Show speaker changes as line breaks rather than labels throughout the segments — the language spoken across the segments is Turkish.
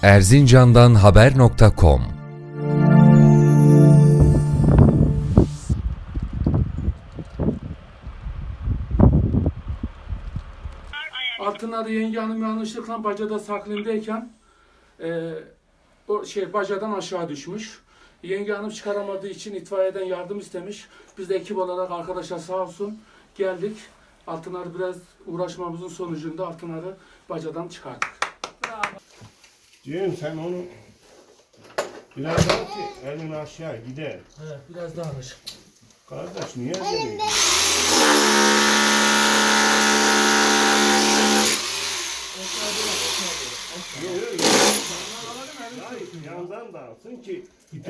Erzincan'dan haber.com.
Altınarı yenge hanım yanlışlıkla bacada saklandayken bacadan aşağı düşmüş. Yenge hanım çıkaramadığı için itfaiyeden yardım istemiş. Biz de ekip olarak arkadaşlar sağ olsun geldik. Altınarı biraz uğraşmamızın sonucunda Altınarı bacadan çıkardık.
Diyorum sen onu biraz daha ki elin aşağı gider.
Evet, biraz daha alış.
Kardeş niye böyle? Yandan da alsın ki.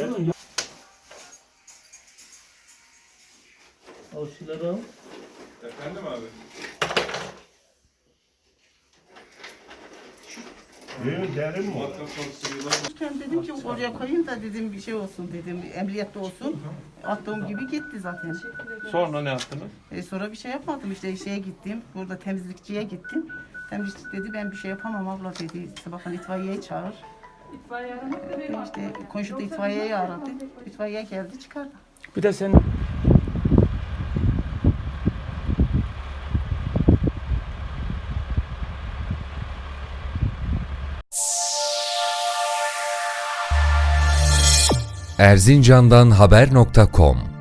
Al şunları al.
Efendim abi?
Diyor derin mi?
Dedim ki oraya koyayım da dedim bir şey olsun dedim, emniyette olsun. Attığım gibi gitti zaten.
Sonra ne yaptınız?
Sonra bir şey yapmadım işte şeye gittim, burada temizlikçiye gittim. Temizlikçi dedi ben bir şey yapamam abla dedi, sabahtan itfaiyeyi çağır. İşte komşu da itfaiyeyi aradı, itfaiye geldi çıkardı.
Bir de sen
Erzincan'dan haber.com